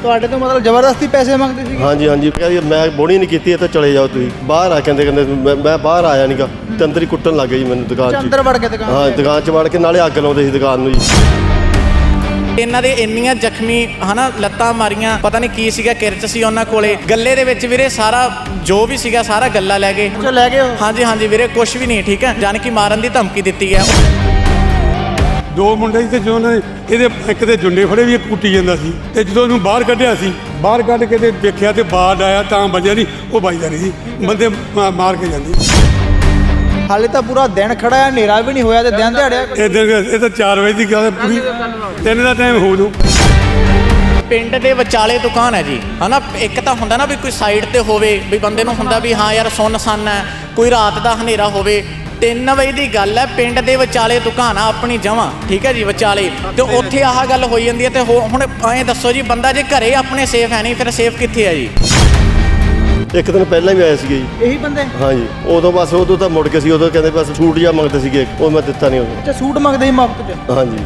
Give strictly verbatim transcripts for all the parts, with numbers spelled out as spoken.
ਤੁਹਾਡੇ ਤੋਂ ਮਤਲਬ ਜ਼ਬਰਦਸਤੀ ਪੈਸੇ ਮੰਗਦੇ ਸੀ? ਹਾਂਜੀ ਹਾਂਜੀ ਮੈਂ ਬੋਣੀ ਨਹੀਂ ਕੀਤੀ, ਇੱਥੇ ਚਲੇ ਜਾਓ ਤੁਸੀਂ ਬਾਹਰ ਆ। ਕਹਿੰਦੇ ਕਹਿੰਦੇ ਮੈਂ ਮੈਂ ਬਾਹਰ ਆਇਆ ਨਹੀਂਗਾ ਤੇ ਅੰਦਰ ਹੀ ਕੁੱਟਣ ਲੱਗ ਗਏ ਜੀ ਮੈਨੂੰ ਦੁਕਾਨ 'ਚ। ਅੰਦਰ ਵੜ ਕੇ ਦੁਕਾਨ? ਹਾਂ ਦੁਕਾਨ 'ਚ ਵੜ ਕੇ ਨਾਲੇ ਅੱਗ ਲਾਉਂਦੇ ਸੀ ਦੁਕਾਨ ਨੂੰ ਜੀ। ਇਹਨਾਂ ਦੇ ਇੰਨੀਆਂ ਜ਼ਖਮੀ ਹਨਾ ਲੱਤਾਂ ਮਾਰੀਆਂ, ਪਤਾ ਨਹੀਂ ਕੀ ਸੀਗਾ, ਕਿਰਚ ਸੀ ਉਹਨਾਂ ਕੋਲੇ। ਗੱਲੇ ਦੇ ਵਿੱਚ ਵੀਰੇ ਸਾਰਾ ਜੋ ਵੀ ਸੀਗਾ ਸਾਰਾ ਗੱਲਾ ਲੈ ਗਏ। ਅੱਛਾ ਲੈ ਗਏ ਹੋ? ਹਾਂਜੀ ਹਾਂਜੀ ਵੀਰੇ ਕੁਝ ਵੀ ਨਹੀਂ, ਠੀਕ ਹੈ, ਜਾਨ ਕਿ ਮਾਰਨ ਦੀ ਧਮਕੀ ਦਿੱਤੀ ਹੈ। ਦੋ ਮੁੰਡੇ ਸੀ ਤੇ ਜੋ ਉਹਨਾਂ ਨੇ ਇਹਦੇ ਇੱਕ ਦੇ ਜੁੰਡੇ ਫੜੇ ਵੀ ਇੱਕ ਕੁੱਟੀ ਜਾਂਦਾ ਸੀ ਤੇ ਜਦੋਂ ਉਹਨੂੰ ਬਾਹਰ ਕੱਢਿਆ ਸੀ, ਬਾਹਰ ਕੱਢ ਕੇ ਤੇ ਦੇਖਿਆ ਤੇ ਬਾੜ ਆਇਆ ਤਾਂ ਵੱਜਿਆ ਨਹੀਂ, ਉਹ ਵੱਜਦਾ ਨਹੀਂ ਸੀ, ਬੰਦੇ ਮਾਰ ਕੇ ਜਾਂਦੇ। ਹਾਲੇ ਤਾਂ ਪੂਰਾ ਦਿਨ ਖੜਾ ਹੈ, ਹਨੇਰਾ ਵੀ ਨਹੀਂ ਹੋਇਆ ਤੇ ਦਿਨ ਦਿਹਾੜਿਆ। ਇਹ ਦਿਨ ਇਹ ਤਾਂ ਚਾਰ ਵਜੇ ਦੀ ਗੱਲ ਹੈ, ਪੂਰੀ ਤਿੰਨ ਦਾ ਟਾਈਮ ਹੋ ਜੂ। ਪਿੰਡ ਦੇ ਵਿਚਾਲੇ ਦੁਕਾਨ ਹੈ ਜੀ ਹਨਾ। ਇੱਕ ਤਾਂ ਹੁੰਦਾ ਨਾ ਵੀ ਕੋਈ ਸਾਈਡ ਤੇ ਹੋਵੇ, ਵੀ ਬੰਦੇ ਨੂੰ ਹੁੰਦਾ ਵੀ ਹਾਂ ਯਾਰ ਸੁੰਨਸਾਨ ਹੈ, ਕੋਈ ਰਾਤ ਦਾ ਹਨੇਰਾ ਹੋਵੇ। ਤਿੰਨ ਵਜੇ ਦੀ ਗੱਲ ਹੈ, ਪਿੰਡ ਦੇ ਵਿਚਾਲੇ ਦੁਕਾਨ ਆ ਆਪਣੀ ਜਮਾਂ, ਠੀਕ ਹੈ ਜੀ, ਵਿਚਾਲੇ। ਤੇ ਉੱਥੇ ਆਹ ਗੱਲ ਹੋਈ ਜਾਂਦੀ ਹੈ। ਤੇ ਹੁਣ ਐਂ ਦੱਸੋ ਜੀ, ਬੰਦਾ ਜੇ ਘਰੇ ਆਪਣੇ ਸੇਫ ਹੈ ਨਹੀਂ, ਫਿਰ ਸੇਫ ਕਿੱਥੇ ਹੈ ਜੀ? ਇੱਕ ਦਿਨ ਪਹਿਲਾਂ ਵੀ ਆਏ ਸੀਗੇ ਜੀ ਇਹੀ ਬੰਦੇ? ਹਾਂਜੀ ਉਦੋਂ ਬਸ ਉਦੋਂ ਤਾਂ ਮੁੜ ਕੇ ਸੀ, ਉਦੋਂ ਕਹਿੰਦੇ ਬਸ ਸੂਟ ਜਿਹਾ ਮੰਗਦੇ ਸੀਗੇ, ਉਹ ਮੈਂ ਦਿੱਤਾ ਨਹੀਂ ਉਦੋਂ। ਅੱਛਾ ਸੂਟ ਮੰਗਦੇ ਸੀ ਮੁਫਤ 'ਚ? ਹਾਂਜੀ।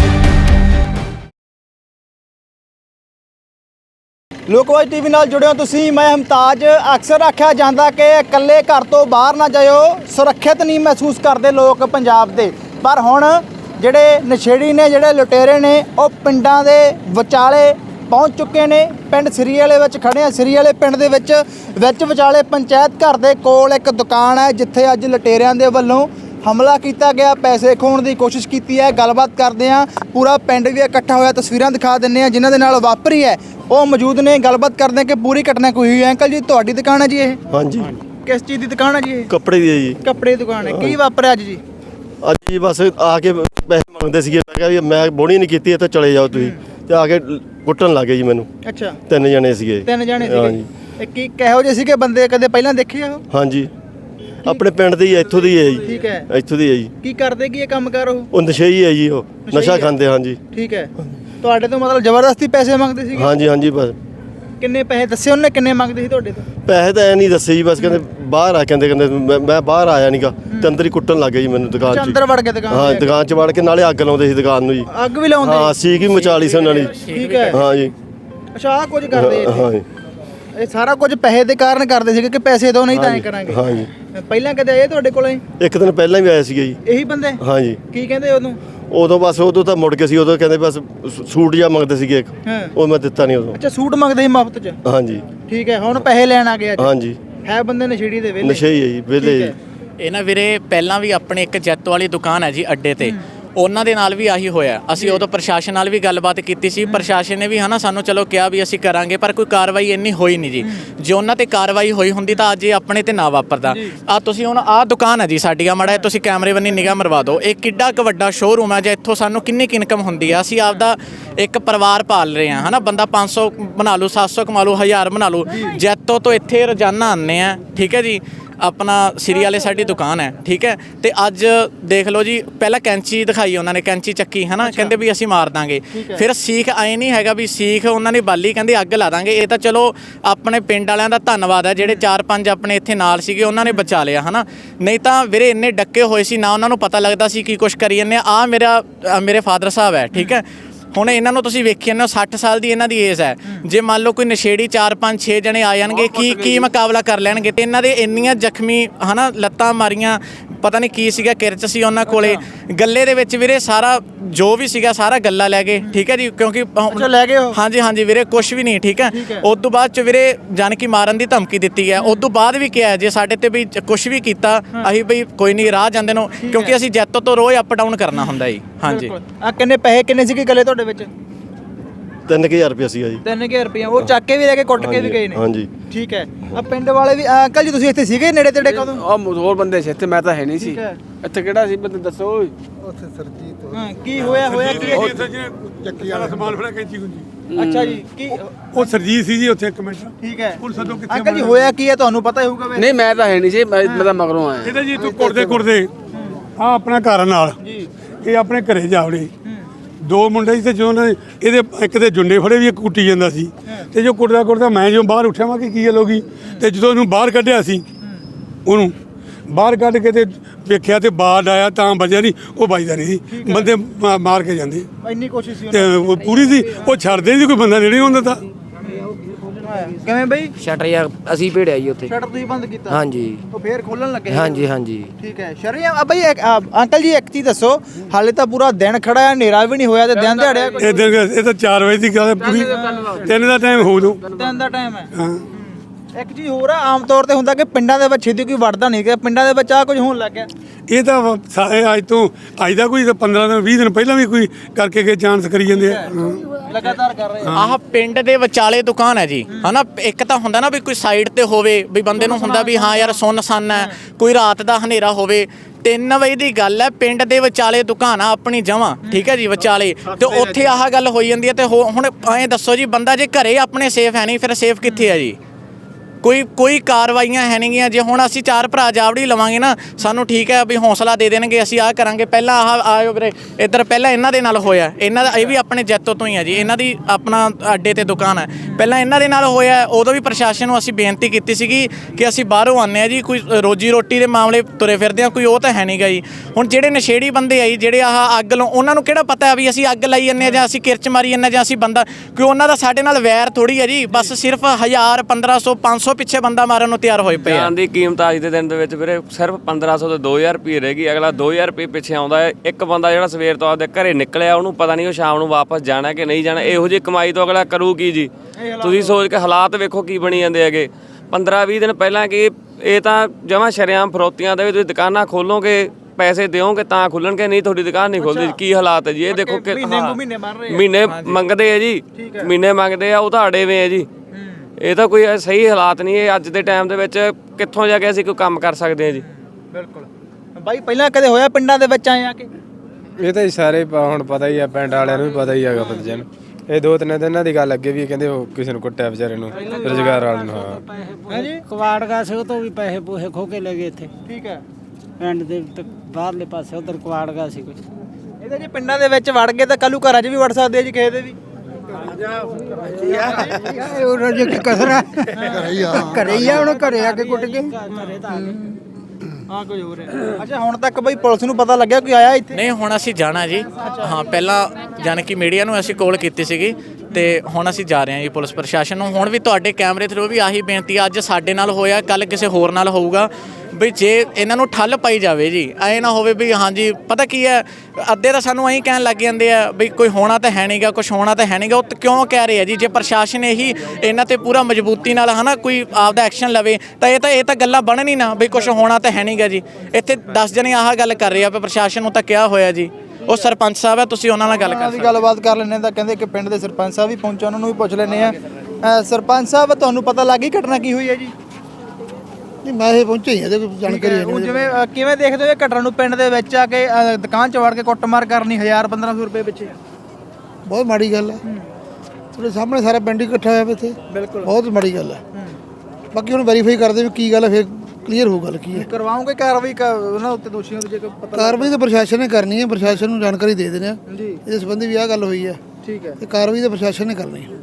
ਲੋਕਵਾਜ ਟੀਵੀ ਨਾਲ ਜੁੜੇ ਹੋ ਤੁਸੀਂ, ਮੈਂ ਮੁਮਤਾਜ। ਅਕਸਰ ਆਖਿਆ ਜਾਂਦਾ ਕਿ ਇਕੱਲੇ ਘਰ ਤੋਂ ਬਾਹਰ ਨਾ ਜਾਇਓ, ਸੁਰੱਖਿਅਤ ਨਹੀਂ ਮਹਿਸੂਸ ਕਰਦੇ ਲੋਕ ਪੰਜਾਬ ਦੇ। ਪਰ ਹੁਣ ਜਿਹੜੇ ਨਸ਼ੇੜੀ ਨੇ, ਜਿਹੜੇ ਲੁਟੇਰੇ ਨੇ, ਉਹ ਪਿੰਡਾਂ ਦੇ ਵਿਚਾਲੇ ਪਹੁੰਚ ਚੁੱਕੇ ਨੇ। ਪਿੰਡ ਸਰੀ ਵਾਲੇ ਵਿੱਚ ਖੜੇ ਆ। ਸਰੀ ਵਾਲੇ ਪਿੰਡ ਦੇ ਵਿੱਚ ਵਿੱਚ ਵਿਚਾਲੇ ਪੰਚਾਇਤ ਘਰ ਦੇ ਕੋਲ ਇੱਕ ਦੁਕਾਨ ਹੈ, ਜਿੱਥੇ ਅੱਜ ਲੁਟੇਰਿਆਂ ਦੇ ਵੱਲੋਂ ਹਮਲਾ ਕੀਤਾ ਗਿਆ, ਪੈਸੇ ਖੋਹਣ ਦੀ ਕੋਸ਼ਿਸ਼ ਕੀਤੀ ਹੈ। ਗੱਲਬਾਤ ਕਰਦੇ ਆ, ਪੂਰਾ ਪਿੰਡ ਵੀ ਇਕੱਠਾ ਹੋਇਆ, ਤਸਵੀਰਾਂ ਦਿਖਾ ਦਿੰਦੇ ਆ ਜਿਨ੍ਹਾਂ ਦੇ ਨਾਲ ਵਾਪਰੀ ਹੈ। ਉਹ ਮੌਜੂਦ ਨੇ, ਗੱਲਬਾਤ ਕਰਦੇ ਕਿ ਪੂਰੀ ਘਟਨਾ ਕੋਈ ਹੋਈ ਹੈ। ਅੰਕਲ ਜੀ ਤੁਹਾਡੀ ਦੁਕਾਨ ਹੈ ਜੀ ਇਹ? ਹਾਂਜੀ। ਕਿਸ ਚੀਜ਼ ਦੀ ਦੁਕਾਨ ਹੈ ਜੀ ਇਹ? ਕੱਪੜੇ ਦੀ ਹੈ ਜੀ। ਕੱਪੜੇ ਦੀ ਦੁਕਾਨ ਹੈ। ਕੀ ਵਾਪਰਿਆ ਅੱਜ ਜੀ? ਅੱਜ ਜੀ ਬਸ ਆ ਕੇ ਪੈਸੇ ਮੰਗਦੇ ਸੀਗੇ, ਮੈਂ ਕਿਹਾ ਵੀ ਮੈਂ ਬੋਣੀ ਨਹੀਂ ਕੀਤੀ, ਇੱਥੇ ਚਲੇ ਜਾਓ ਤੁਸੀਂ, ਤੇ ਆ ਕੇ ਕੁੱਟਣ ਲੱਗ ਗਏ ਜੀ ਮੈਨੂੰ। ਅੱਛਾ ਤਿੰਨ ਜਣੇ ਸੀਗੇ। ਤਿੰਨ ਜਣੇ ਹਾਂਜੀ। ਸੀਗੇ। ਇਹ ਕੀ ਕਿਹੋ ਜਿਹੇ ਸੀਗੇ ਬੰਦੇ, ਕਦੇ ਪਹਿਲਾਂ ਦੇਖੇ ਆ ਉਹ? ਹਾਂਜੀ ਆਪਣੇ ਪਿੰਡ ਦੇ ਹੀ ਆ, ਇੱਥੋਂ ਦੀ ਹੈ ਜੀ। ਠੀਕ ਹੈ। ਇੱਥੋਂ ਦੀ ਹੈ ਜੀ। ਕੀ ਕਰਦੇ ਕੀ ਇਹ ਕੰਮ ਕਰ? ਉਹ ਉਹ ਨਸ਼ਈ ਹੈ ਜੀ, ਉਹ ਨਸ਼ਾ ਹੈ? ਖਾਂਦੇ। ਹਾਂਜੀ ਠੀਕ ਹੈ। ਤੁਹਾਡੇ ਤੋਂ ਮਤਲਬ ਜ਼ਬਰਦਸਤੀ ਪੈਸੇ ਮੰਗਦੇ ਸੀਗੇ? ਹਾਂਜੀ ਹਾਂਜੀ। ਬਸ ਕਿੰਨੇ ਪੈਸੇ ਦੱਸੇ ਉਹਨੇ, ਕਿੰਨੇ ਮੰਗਦੇ ਸੀ ਤੁਹਾਡੇ ਤੋਂ? ਪੈਸੇ ਤਾਂ ਐ ਨਹੀਂ ਦੱਸੇ ਜੀ, ਬਸ ਕਹਿੰਦੇ ਬਾਹਰ ਆ। ਕਹਿੰਦੇ ਕਹਿੰਦੇ ਮੈਂ ਮੈਂ ਬਾਹਰ ਆਇਆ ਨਹੀਂਗਾ ਤੇ ਅੰਦਰ ਹੀ ਕੁੱਟਣ ਲੱਗ ਗਏ ਜੀ ਮੈਨੂੰ ਦੁਕਾਨ 'ਚ। ਅੰਦਰ ਵੜ ਕੇ ਦੁਕਾਨ? ਹਾਂ ਦੁਕਾਨ 'ਚ ਵੜ ਕੇ ਨਾਲੇ ਅੱਗ ਲਾਉਂਦੇ ਸੀ ਦੁਕਾਨ ਨੂੰ ਜੀ। ਅੱਗ ਵੀ ਲਾਉਂਦੇ? ਹਾਂ ਸੀਗੀ ਮਚਾਲੀ ਸੀ ਉਹਨਾਂ ਨੇ। ਠੀਕ ਹੈ। ਹਾਂ ਜੀ। ਅੱਛਾ ਆਹ ਕੁਝ ਕਰਦੇ? ਹਾਂ ਜੀ। ਇਹ ਸਾਰਾ ਕੁਝ ਪੈਸੇ ਦੇ ਕਾਰਨ ਕਰਦੇ ਸੀਗੇ ਕਿ ਪੈਸੇ ਦੋ ਨਹੀਂ ਤਾਂ ਐਂ ਕਰਾਂਗੇ? ਹਾਂ ਜੀ। ਪਹਿਲਾਂ ਕਦੇ ਆਏ ਤੁਹਾਡੇ ਕੋਲੇ? ਇੱਕ ਦਿਨ ਪਹਿਲਾਂ ਵੀ ਆਏ ਸੀਗੇ ਜੀ। ਇਹੀ ਬੰਦੇ? ਹਾਂ ਜੀ। ਕੀ ਕਹਿੰਦੇ ਉਹਨੂੰ? ਉਦੋਂ ਬਸ ਉਦੋਂ ਤਾਂ ਮੁੜ ਕੇ ਸੀ, ਉਦੋਂ ਕਹਿੰਦੇ ਬਸ ਸੂਟ ਜਿਹਾ ਮੰਗਦੇ ਸੀਗੇ ਇੱਕ, ਹਾਂ। ਉਹ ਮੈਂ ਦਿੱਤਾ ਨਹੀਂ ਉਦੋਂ। ਅੱਛਾ ਸੂਟ ਮੰਗਦੇ ਸੀ ਮੁਫਤ 'ਚ? ਹਾਂਜੀ। ਠੀਕ ਹੈ। ਹੁਣ ਪੈਸੇ ਲੈਣ ਆ ਗਏ ਅੱਜ? ਹਾਂਜੀ। ਹੈ ਬੰਦੇ ਨਸ਼ੇੜੀ ਦੇ ਵੇਲੇ? ਨਸ਼ੇ ਹੀ ਹੈ ਜੀ, ਵਿਹਲੇ ਜੀ। ਇਹ ਨਾ ਵੀਰੇ ਪਹਿਲਾਂ ਵੀ ਆਪਣੇ ਇੱਕ ਜੈਤ ਵਾਲੀ ਦੁਕਾਨ ਹੈ ਜੀ ਅੱਡੇ ਤੇ, ਉਹਨਾਂ ਦੇ ਨਾਲ ਵੀ ਆਹੀ ਹੋਇਆ। ਅਸੀਂ ਉਦੋਂ ਪ੍ਰਸ਼ਾਸਨ ਨਾਲ ਵੀ ਗੱਲਬਾਤ ਕੀਤੀ ਸੀ। ਪ੍ਰਸ਼ਾਸਨ ਨੇ ਵੀ ਹਨਾ ਸਾਨੂੰ ਚਲੋ ਕਿਹਾ ਵੀ ਅਸੀਂ ਕਰਾਂਗੇ, ਪਰ ਕੋਈ ਕਾਰਵਾਈ ਇੰਨੀ ਹੋਈ ਨਹੀਂ ਜੀ। ਜੇ ਉਹਨਾਂ ਤੇ ਕਾਰਵਾਈ ਹੋਈ ਹੁੰਦੀ ਤਾਂ ਅੱਜ ਇਹ ਆਪਣੇ ਤੇ ਨਾ ਵਾਪਰਦਾ। ਆ ਤੁਸੀਂ ਹੁਣ ਆਹ ਦੁਕਾਨ ਹੈ ਜੀ ਸਾਡੀ, ਆ ਮਾੜਾ ਤੁਸੀਂ ਕੈਮਰੇ ਬੰਨੀ ਨਿਗਾਹ ਮਰਵਾ ਦਿਓ। ਇਹ ਕਿੱਡਾ ਕੁ ਵੱਡਾ ਸ਼ੋਰੂਮ ਹੈ, ਜਾਂ ਇੱਥੋਂ ਸਾਨੂੰ ਕਿੰਨੀ ਕੁ ਇਨਕਮ ਹੁੰਦੀ ਆ। ਅਸੀਂ ਆਪਦਾ ਇੱਕ ਪਰਿਵਾਰ ਪਾਲ ਰਹੇ ਹਾਂ ਹਨਾ। ਬੰਦਾ ਪੰਜ ਸੌ ਬਣਾ ਲਓ, ਸੱਤ ਸੌ ਕਮਾ ਲਓ, ਹਜ਼ਾਰ ਬਣਾ ਲਓ। ਜੈਤੋ ਤੋਂ ਇੱਥੇ ਰੋਜ਼ਾਨਾ ਆਉਂਦੇ ਆ, ਠੀਕ ਹੈ ਜੀ। ਆਪਣਾ ਸਰੀ ਵਾਲੇ ਸਾਡੀ ਦੁਕਾਨ ਹੈ, ਠੀਕ ਹੈ। ਤੇ ਅੱਜ ਦੇਖ ਲਓ ਜੀ, ਪਹਿਲਾਂ ਕੈਂਚੀ ਦਿਖਾਈ ਉਹਨਾਂ ਨੇ, ਕੈਂਚੀ ਚੱਕੀ ਹੈ ਨਾ, ਕਹਿੰਦੇ ਵੀ ਅਸੀਂ ਮਾਰ ਦਾਂਗੇ। ਫਿਰ ਸੀਖ ਆਏ ਨਹੀਂ ਹੈਗਾ ਵੀ ਸੀਖ ਉਹਨਾਂ ਨੇ ਬਾਲੀ, ਕਹਿੰਦੇ ਅੱਗ ਲਾ ਦਾਂਗੇ। ਇਹ ਤਾਂ ਚਲੋ ਆਪਣੇ ਪਿੰਡ ਵਾਲਿਆਂ ਦਾ ਧੰਨਵਾਦ ਹੈ, ਜਿਹੜੇ ਚਾਰ ਪੰਜ ਆਪਣੇ ਇੱਥੇ ਨਾਲ ਸੀਗੇ, ਉਹਨਾਂ ਨੇ ਬਚਾ ਲਿਆ ਹੈ ਨਾ। ਨਹੀਂ ਤਾਂ ਵੀਰੇ ਇੰਨੇ ਡੱਕੇ ਹੋਏ ਸੀ, ਨਾ ਉਹਨਾਂ ਨੂੰ ਪਤਾ ਲੱਗਦਾ ਸੀ ਕੀ ਕੁਛ ਕਰੀ ਜਾਂਦੇ। ਆਹ ਮੇਰਾ ਮੇਰੇ ਫਾਦਰ ਸਾਹਿਬ ਹੈ, ਠੀਕ ਹੈ। ਹੁਣ ਇਹਨਾਂ ਨੂੰ ਤੁਸੀਂ ਵੇਖੀ ਜਾਂਦੇ ਹੋ, ਸੱਠ ਸਾਲ ਦੀ ਇਹਨਾਂ ਦੀ ਏਜ ਹੈ। ਜੇ ਮੰਨ ਲਓ ਕੋਈ ਨਸ਼ੇੜੀ ਚਾਰ ਪੰਜ ਛੇ ਜਣੇ ਆ ਜਾਣਗੇ, ਕੀ ਕੀ ਮੁਕਾਬਲਾ ਕਰ ਲੈਣਗੇ? ਤੇ ਇਹਨਾਂ ਦੇ ਇੰਨੀਆਂ ਜ਼ਖਮੀ ਹਨਾ ਲੱਤਾਂ ਮਾਰੀਆਂ, ਪਤਾ ਨਹੀਂ ਕੀ ਸੀਗਾ, ਕਿਰਚ ਸੀ ਉਹਨਾਂ ਕੋਲੇ। ਗੱਲੇ ਦੇ ਵਿੱਚ ਵੀਰੇ ਸਾਰਾ ਜੋ ਵੀ ਸੀਗਾ ਸਾਰਾ ਗੱਲਾ ਲੈ ਗਏ, ਠੀਕ ਹੈ ਜੀ। ਕਿਉਂਕਿ ਲੈ ਗਏ ਉਹ? ਹਾਂਜੀ ਹਾਂਜੀ ਵੀਰੇ ਕੁਛ ਵੀ ਨਹੀਂ, ਠੀਕ ਹੈ। ਉਸ ਤੋਂ ਬਾਅਦ ਚ ਵੀਰੇ ਜਾਨ ਕਿ ਮਾਰਨ ਦੀ ਧਮਕੀ ਦਿੱਤੀ ਹੈ। ਉਸ ਤੋਂ ਬਾਅਦ ਵੀ ਕਿਹਾ ਜੇ ਸਾਡੇ ਤੇ ਵੀ ਕੁਛ ਵੀ ਕੀਤਾ, ਅਸੀਂ ਬਈ ਕੋਈ ਨਹੀਂ ਰਾਹ ਜਾਂਦੇ ਨੂੰ, ਕਿਉਂਕਿ ਅਸੀਂ ਜੈਤੋ ਤੋਂ ਰੋਜ਼ ਅਪ ਡਾਊਨ ਕਰਨਾ ਹੁੰਦਾ ਜੀ। ਹਾਂਜੀ। ਆ ਕਿੰਨੇ ਪੈਸੇ ਕਿੰਨੇ ਸੀਗੇ ਗੱਲੇ ਤੁਹਾਡੇ ਵਿੱਚ? ਤਿੰਨ ਕੁ ਹਜ਼ਾਰ ਰੁਪਇਆ ਸੀਗਾ ਜੀ। ਤਿੰਨ ਹਜ਼ਾਰ ਰੁਪਇਆ? ਉਹ ਚੱਕ ਕੇ ਵੀ ਲੈ ਕੇ ਕੁੱਟ ਕੇ ਵੀ ਗਏ ਨੇ? ਹਾਂਜੀ। ਠੀਕ ਹੈ। ਆ ਪਿੰਡ ਵਾਲੇ ਵੀ ਅੰਕਲ ਜੀ ਤੁਸੀਂ ਇੱਥੇ ਸੀਗੇ ਨੇੜੇ ਤੇੜੇ ਕਦੋਂ? ਆ ਹੋਰ ਬੰਦੇ ਸੀ ਇੱਥੇ, ਮੈਂ ਤਾਂ ਹੈ ਨਹੀਂ ਸੀ ਇੱਥੇ। ਕਿਹੜਾ ਸੀ ਬੰਦੇ ਦੱਸੋ? ਉੱਥੇ ਸਰਜੀਤ। ਹਾਂ ਕੀ ਹੋਇਆ? ਹੋਇਆ ਕੀ? ਚੱਕੀ ਵਾਲਾ ਸਮਾਨ ਫੜਾ ਕੈਂਚੀ ਗੁੰਜੀ। ਅੱਛਾ ਜੀ। ਕੀ ਉਹ ਸਰਜੀਤ ਸੀ ਜੀ ਉੱਥੇ ਇੱਕ ਮਿੰਟ। ਠੀਕ ਹੈ। ਹੁਣ ਸਦੋਂ ਕਿੱਥੇ? ਅੰਕਲ ਜੀ ਹੋਇਆ ਕੀ ਹੈ ਤੁਹਾਨੂੰ ਪਤਾ ਹੋਊਗਾ? ਨਹੀਂ ਮੈਂ ਤਾਂ ਹੈ ਨਹੀਂ ਸੀ, ਮੈਂ ਮੈਂ ਤਾਂ ਮਗਰੋਂ ਆਇਆ। ਇਹਦਾ ਜੀ ਤੂੰ ਕੁਰਦੇ ਕੁਰਦੇ ਆ ਆਪਣਾ ਘਰ ਨਾਲ ਜੀ। ਇਹ ਆਪਣੇ ਘਰੇ ਜਾਵੜੇ ਦੋ ਮੁੰਡੇ ਸੀ ਤੇ ਜੋ ਉਹਨਾਂ ਨੇ ਇਹਦੇ ਇੱਕ ਦੇ ਜੁੰਡੇ ਫੜੇ ਵੀ ਇੱਕ ਕੁੱਟੀ ਜਾਂਦਾ ਸੀ ਤੇ ਜੋ ਕੁੱਟਦਾ ਕੁੱਟਦਾ ਮੈਂ ਜੋ ਬਾਹਰ ਉੱਠਿਆ ਮੈਂ ਕਿ ਕੀ ਗੱਲ ਹੋ ਗਈ ਤੇ ਜਦੋਂ ਉਹਨੂੰ ਬਾਹਰ ਕੱਢਿਆ ਸੀ, ਉਹਨੂੰ ਬਾਹਰ ਕੱਢ ਕੇ ਤੇ ਵੇਖਿਆ ਤੇ ਬਾੜ ਆਇਆ ਤਾਂ ਵੱਜਿਆ ਨਹੀਂ, ਉਹ ਵੱਜਦਾ ਨਹੀਂ ਸੀ, ਬੰਦੇ ਮਾਰ ਕੇ ਜਾਂਦੇ। ਇੰਨੀ ਕੋਸ਼ਿਸ਼ ਸੀ ਤੇ ਉਹ ਪੂਰੀ ਸੀ, ਉਹ ਛੱਡਦੇ ਨਹੀਂ ਕੋਈ ਬੰਦਾ ਨੇੜੇ ਹੁੰਦਾ ਤਾਂ। ਕਿਵੇਂ ਬਈ ਸ਼ਟਰ ਯਾਰ ਅਸੀਂ ਭੇੜਿਆ ਜੀ ਉੱਥੇ ਸ਼ਟਰ ਤੁਸੀਂ ਬੰਦ ਕੀਤਾ ਹਾਂਜੀ ਉਹ ਫੇਰ ਖੋਲਣ ਲੱਗੇ ਹਾਂਜੀ ਹਾਂਜੀ ਠੀਕ ਹੈ ਸ਼ਰੀਆ ਆ ਬਈ ਇੱਕ- ਆ, ਅੰਕਲ ਜੀ ਇੱਕ ਚੀਜ਼ ਦੱਸੋ ਹਾਲੇ ਤਾਂ ਪੂਰਾ ਦਿਨ ਖੜਾ ਹੈ ਹਨੇਰਾ ਵੀ ਨਹੀਂ ਹੋਇਆ ਤੇ ਦਿਨ ਦਿਹਾੜਿਆ ਇਹ ਦਿਨ ਇਹ ਤਾਂ ਚਾਰ ਵਜੇ ਦੀ ਗੱਲ ਹੈ ਪੂਰੀ ਤਿੰਨ ਦਾ ਟਾਈਮ ਹੋ ਜੂ ਦਿਨ ਦਾ ਟਾਈਮ ਹੈ ਹਾਂ ਇੱਕ ਚੀਜ਼ ਹੋਰ ਆ ਆਮ ਤੌਰ ਤੇ ਹੁੰਦਾ ਕਿ ਪਿੰਡਾਂ ਦੇ ਵਿੱਚ ਛੇਤੀ ਕੋਈ ਵੜਦਾ ਨਹੀਂ ਕਿ ਪਿੰਡਾਂ ਦੇ ਵਿੱਚ ਆ ਕੁਝ ਹੋਣ ਲੱਗ ਗਿਆ ਇਹ ਤਾਂ ਵਾ- ਸਾ- ਇਹ ਅੱਜ ਤੋਂ ਅੱਜ ਦਾ ਕੋਈ ਪੰਦਰਾਂ ਦਿਨ ਵੀਹ ਦਿਨ ਪਹਿਲਾਂ ਵੀ ਕੋਈ ਕਰਕੇ ਗਏ ਚਾਂਸ ਕਰੀ ਜਾਂਦੇ ਆ ਹਾਂ। ਲਗਾਤਾਰ ਕਰ ਰਹੇ ਆਹ ਪਿੰਡ ਦੇ ਵਿਚਾਲੇ ਦੁਕਾਨ ਹੈ ਜੀ ਹਨਾ ਇੱਕ ਤਾਂ ਹੁੰਦਾ ਨਾ ਵੀ ਕੋਈ ਸਾਈਡ ਤੇ ਹੋਵੇ ਵੀ ਬੰਦੇ ਨੂੰ ਹੁੰਦਾ ਵੀ ਹਾਂ ਯਾਰ ਸੁੰਨਸਾਨ ਹੈ ਕੋਈ ਰਾਤ ਦਾ ਹਨੇਰਾ ਹੋਵੇ ਤਿੰਨ ਵਜੇ ਦੀ ਗੱਲ ਹੈ ਪਿੰਡ ਦੇ ਵਿਚਾਲੇ ਦੁਕਾਨ ਆ ਆਪਣੀ ਜਮਾਂ ਠੀਕ ਹੈ ਜੀ ਵਿਚਾਲੇ ਤੇ ਉੱਥੇ ਆਹ ਗੱਲ ਹੋਈ ਜਾਂਦੀ ਹੈ ਤੇ ਹੋ- ਹੁਣ ਐਂ ਦੱਸੋ ਜੀ ਬੰਦਾ ਜੇ ਘਰੇ ਆਪਣੇ ਸੇਫ ਹੈ ਨਹੀਂ ਫਿਰ ਸੇਫ ਕਿੱਥੇ ਹੈ ਜੀ ਕੋਈ ਕੋਈ ਕਾਰਵਾਈਆਂ ਹੈ ਨਹੀਂਗੀਆਂ ਜੇ ਹੁਣ ਅਸੀਂ ਚਾਰ ਭਰਾ ਜਾਵੜੀ ਲਵਾਂਗੇ ਨਾ ਸਾਨੂੰ ਠੀਕ ਹੈ ਵੀ ਹੌਸਲਾ ਦੇ ਦੇਣਗੇ ਅਸੀਂ ਆਹ ਕਰਾਂਗੇ ਪਹਿਲਾਂ ਆਹ ਆਇਓ ਵੀਰੇ ਇੱਧਰ ਪਹਿਲਾਂ ਇਹਨਾਂ ਦੇ ਨਾਲ ਹੋਇਆ ਇਹਨਾਂ ਦਾ ਇਹ ਵੀ ਆਪਣੇ ਜੈਤੋ ਤੋਂ ਹੀ ਹੈ ਜੀ ਇਹਨਾਂ ਦੀ ਆਪਣਾ ਅੱਡੇ ਤੇ ਦੁਕਾਨ ਹੈ ਪਹਿਲਾਂ ਇਹਨਾਂ ਦੇ ਨਾਲ ਹੋਇਆ ਉਦੋਂ ਵੀ ਪ੍ਰਸ਼ਾਸਨ ਨੂੰ ਅਸੀਂ ਬੇਨਤੀ ਕੀਤੀ ਸੀਗੀ ਕਿ ਅਸੀਂ ਬਾਹਰੋਂ ਆਉਂਦੇ ਆ ਜੀ ਕੋਈ ਰੋਜੀ ਰੋਟੀ ਦੇ ਮਾਮਲੇ ਤੁਰੇ ਫਿਰਦੇ ਆ ਕੋਈ ਉਹ ਤਾਂ ਹੈ ਨਹੀਂਗਾ ਜੀ ਹੁਣ ਜਿਹੜੇ ਨਸ਼ੇੜੀ ਬੰਦੇ ਆ ਜੀ ਜਿਹੜੇ ਆਹ ਅੱਗ ਲਾਉ ਉਹਨਾਂ ਨੂੰ ਕਿਹੜਾ ਪਤਾ ਵੀ ਅਸੀਂ ਅੱਗ ਲਾਈ ਜੰਨੇ ਜਾਂ ਅਸੀਂ ਕਿਰਚ ਮਾਰੀ ਜੰਨੇ ਜਾਂ ਅਸੀਂ ਬੰਦਾ ਕਿ ਉਹਨਾਂ ਦਾ ਸਾਡੇ ਨਾਲ ਵੈਰ ਥੋੜੀ ਹੈ ਜੀ ਬਸ ਸਿਰਫ ਹਜ਼ਾਰ ਪੰਦਰਾਂ ਸੌ ਪੰਜ ਸੌ ਪਿੱਛੇ ਬੰਦਾ ਮਾਰਨ ਨੂੰ ਤਿਆਰ ਹੋਏ ਪਏ ਆ ਜਾਨ ਦੀ ਕੀਮਤ ਅੱਜ ਦੇ ਦਿਨ ਦੇ ਵਿੱਚ ਵੀਰੇ ਸਿਰਫ ਪੰਦਰਾਂ ਸੌ ਤੋਂ ਦੋ ਹਜ਼ਾਰ ਰੁਪਏ ਰਹਿ ਗਈ ਅਗਲਾ ਦੋ ਹਜ਼ਾਰ ਰੁਪਏ ਪਿੱਛੇ ਆਉਂਦਾ ਹੈ ਇੱਕ ਬੰਦਾ ਜਿਹੜਾ ਸਵੇਰ ਤੋਂ ਆਪਦੇ ਘਰੇ ਨਿਕਲਿਆ ਉਹਨੂੰ ਪਤਾ ਨਹੀਂ ਉਹ ਸ਼ਾਮ ਨੂੰ ਵਾਪਸ ਜਾਣਾ ਕਿ ਨਹੀਂ ਜਾਣਾ ਇਹੋ ਜਿਹੀ ਕਮਾਈ ਤੋਂ ਅਗਲਾ ਕਰੂ ਕੀ ਜੀ ਤੁਸੀਂ ਸੋਚ ਕੇ ਹਾਲਾਤ ਵੇਖੋ ਕੀ ਬਣੀ ਜਾਂਦੇ ਹੈਗੇ ਪੰਦਰਾਂ ਵੀਹ ਦਿਨ ਪਹਿਲਾਂ ਕਿ ਇਹ ਤਾਂ ਜਮਾਂ ਸ਼ਰੇਆਮ ਫਰੋਤੀਆਂ ਦੇ ਵੀ ਤੁਸੀਂ ਦੁਕਾਨਾਂ ਖੋਲੋਗੇ ਪੈਸੇ ਦਿਓਗੇ ਤਾਂ ਖੁੱਲਣਗੇ ਨਹੀਂ ਤੁਹਾਡੀ ਦੁਕਾਨ ਨਹੀਂ ਖੁੱਲਦੀ ਕੀ ਹਾਲਾਤ ਹੈ ਜੀ ਇਹ ਦੇਖੋ ਕਿ ਮਹੀਨੇ ਬਣ ਰਹੇ ਮਹੀਨੇ ਮੰਗਦੇ ਆ ਜੀ ਮਹੀਨੇ ਮੰਗਦੇ ਆ ਉਹ ਤਾਂ ਅੜੇ ਵੇ ਆ ਜੀ ਇਹ ਤਾਂ ਕੋਈ ਸਹੀ ਹਾਲਾਤ ਨਹੀਂ ਇਹ ਅੱਜ ਦੇ ਟਾਈਮ ਦੇ ਵਿੱਚ ਕਿੱਥੋਂ ਜਾ ਕੇ ਅਸੀਂ ਕੋਈ ਕੰਮ ਕਰ ਸਕਦੇ ਹਾਂ ਜੀ ਬਿਲਕੁਲ ਬਾਈ ਪਹਿਲਾਂ ਕਦੇ ਹੋਇਆ ਪਿੰਡਾਂ ਦੇ ਵਿੱਚ ਆਏ ਆ ਕੇ ਇਹ ਤਾਂ ਜੀ ਸਾਰੇ ਪ- ਹੁਣ ਪਤਾ ਹੀ ਆ ਪਿੰਡ ਵਾਲਿਆਂ ਨੂੰ ਵੀ ਪਤਾ ਹੀ ਹੈਗਾ ਬੰਦੇ ਨੂੰ ਇਹ ਦੋ ਤਿੰਨ ਦਿਨਾਂ ਦੀ ਗੱਲ ਅੱਗੇ ਵੀ ਕਹਿੰਦੇ ਉਹ ਕਿਸੇ ਨੂੰ ਕੁੱਟਿਆ ਵਿਚਾਰੇ ਨੂੰ ਰੁਜ਼ਗਾਰ ਵਾਲੇ ਨੂੰ ਹਾਂ ਹੈ ਜੀ ਕਵਾੜਗਾ ਸੀ ਉਹ ਤੋਂ ਵੀ ਪੈਸੇ ਪੂਸੇ ਖੋ ਕੇ ਲੈ ਗਏ ਇੱਥੇ ਠੀਕ ਹੈ ਪਿੰਡ ਦੇ ਤੇ ਬਾਹਰਲੇ ਪਾਸੇ ਉਧਰ ਕਵਾੜਗਾ ਸੀ ਕੋਈ ਇਹਦੇ ਜੇ ਪਿੰਡਾਂ ਦੇ ਵਿੱਚ ਵੜ ਗਏ ਤਾਂ ਕੱਲੂ ਘਰਾਂ 'ਚ ਵੀ ਵੜ ਸਕਦੇ ਆ ਜੀ ਕਿਸੇ ਦੇ ਵੀ ਉਹਨਾਂ ਜੇ ਕਸਰਾ ਘਰੇ ਹੀ ਆ ਹੁਣ ਘਰੇ ਆ ਕੇ ਕੁੱਟ ਕੇ ਹਾਂ ਕੋਈ ਹੋ ਰਿਹਾ ਅੱਛਾ ਹੁਣ ਤੱਕ ਬਈ ਪੁਲਿਸ ਨੂੰ ਪਤਾ ਲੱਗਿਆ ਕੋਈ ਆਇਆ ਇੱਥੇ ਨਹੀਂ ਹੁਣ ਅਸੀਂ ਜਾਣਾ ਜੀ ਹਾਂ ਪਹਿਲਾਂ ਜਾਣੀ ਕਿ ਮੀਡੀਆ ਨੂੰ ਅਸੀਂ ਕਾਲ ਕੀਤੀ ਸੀਗੀ ਤੇ ਹੁਣ ਅਸੀਂ ਜਾ ਰਹੇ ਹਾਂ ਜੀ ਪੁਲਿਸ ਪ੍ਰਸ਼ਾਸਨ ਨੂੰ ਹੁਣ ਵੀ ਤੁਹਾਡੇ ਕੈਮਰੇ ਥਰੂ ਵੀ ਆਹੀ ਬੇਨਤੀ ਆ ਅੱਜ ਸਾਡੇ ਨਾਲ ਹੋਇਆ ਕੱਲ ਕਿਸੇ ਹੋਰ ਨਾਲ ਹੋਊਗਾ ਵੀ ਜੇ ਇਹਨਾਂ ਨੂੰ ਠੱਲ ਪਾਈ ਜਾਵੇ ਜੀ ਐ ਨਾ ਹੋਵੇ ਵੀ ਹਾਂਜੀ ਪਤਾ ਕੀ ਹੈ ਅੱਧੇ ਤਾਂ ਸਾਨੂੰ ਐਂ ਕਹਿਣ ਲੱਗ ਜਾਂਦੇ ਆ ਵੀ ਕੋਈ ਹੋਣਾ ਤਾਂ ਹੈ ਨਹੀਂਗਾ ਕੁਝ ਹੋਣਾ ਤਾਂ ਹੈ ਨਹੀਂਗਾ ਉਹ ਕਿਉਂ ਕਹਿ ਰਹੇ ਆ ਜੀ ਜੇ ਪ੍ਰਸ਼ਾਸਨ ਇਹੀ ਇਹਨਾਂ ਤੇ ਪੂਰਾ ਮਜ਼ਬੂਤੀ ਨਾਲ ਹਨਾ ਕੋਈ ਆਪਦਾ ਐਕਸ਼ਨ ਲਵੇ ਤਾਂ ਇਹ ਤਾਂ ਇਹ ਤਾਂ ਗੱਲਾਂ ਬਣਨ ਹੀ ਨਾ ਵੀ ਕੁਝ ਹੋਣਾ ਤਾਂ ਹੈ ਨਹੀਂਗਾ ਜੀ ਇੱਥੇ ਦਸ ਜਣੇ ਆਹ ਗੱਲ ਕਰ ਰਹੇ ਆ ਵੀ ਪ੍ਰਸ਼ਾਸਨ ਨੂੰ ਤਾਂ ਕਿਹਾ ਹੋਇਆ ਜੀ ਉਹ ਸਰਪੰਚ ਸਾਹਿਬ ਹੈ ਤੁਸੀਂ ਉਹਨਾਂ ਨਾਲ ਗੱਲ ਕਰ ਉਹਨਾਂ ਦੀ ਗੱਲਬਾਤ ਕਰ ਲੈਣੇ ਤਾਂ ਕਹਿੰਦੇ ਕਿ ਪਿੰਡ ਦੇ ਸਰਪੰਚ ਸਾਹਿਬ ਵੀ ਪਹੁੰਚੇ ਉਹਨਾਂ ਨੂੰ ਵੀ ਪੁੱਛ ਲੈਣੇ ਆ ਅ, ਸਰਪੰਚ ਸਾਹਿਬ ਤੁਹਾਨੂੰ ਪਤਾ ਲੱਗ ਗਈ ਘਟਨਾ ਕੀ ਹੋਈ ਹੈ ਜੀ ਨਹੀਂ ਮੈਂ ਇਹ ਪਹੁੰਚਿਆ ਹੀ ਇਹਦੇ ਕੋਈ ਜਾਣਕਾਰੀ ਹੈ ਉਹ ਨਹੀਂ ਜਿਵੇਂ ਅ, ਕਿਵੇਂ ਦੇਖਦੇ ਹੋ ਇਹ ਘਟਨਾ ਨੂੰ ਪਿੰਡ ਦੇ ਵਿੱਚ ਆ ਕੇ ਅ, ਦੁਕਾਨ 'ਚ ਵੜ ਕੇ ਕੁੱਟਮਾਰ ਕਰਨੀ ਹਜ਼ਾਰ ਪੰਦਰਾਂ ਸੌ ਰੁਪਏ ਪਿੱਛੇ ਬਹੁਤ ਮਾੜੀ ਗੱਲ ਹੈ ਤੁਹਾਡੇ ਸਾਹਮਣੇ ਸਾਰਾ ਪਿੰਡ ਹੀ ਇਕੱਠਾ ਹੋਇਆ ਵਾ ਇੱਥੇ ਬਿਲਕੁਲ ਬਹੁਤ ਮਾੜੀ ਗੱਲ ਹੈ ਬਾਕੀ ਹੁਣ ਵੈਰੀਫਾਈ ਕਰਦੇ ਵੀ ਕੀ ਗੱਲ ਹੈ ਫਿਰ ਕਲੀਅਰ ਹੋ ਗੱਲ ਕੀ ਹੈ ਕਰਵਾਓਗੇ ਕਾਰਵਾਈ ਕ- ਉਹਨਾਂ ਉੱਤੇ ਦੋਸ਼ੀਆਂ ਨੂੰ ਜੇ ਕੋਈ ਪਤਾ ਕਾਰਵਾਈ ਤਾਂ ਪ੍ਰਸ਼ਾਸਨ ਨੇ ਕਰਨੀ ਹੈ ਪ੍ਰਸ਼ਾਸਨ ਨੂੰ ਜਾਣਕਾਰੀ ਦੇ ਦੇਣੀ ਹੈ ਜੀ ਇਸ ਸੰਬੰਧੀ ਵੀ ਆਹ ਗੱਲ ਹੋਈ ਹੈ ਠੀਕ ਹੈ ਤੇ ਕਾਰਵਾਈ ਤਾਂ ਪ੍ਰਸ਼ਾਸਨ ਨੇ ਕਰਨੀ ਹੈ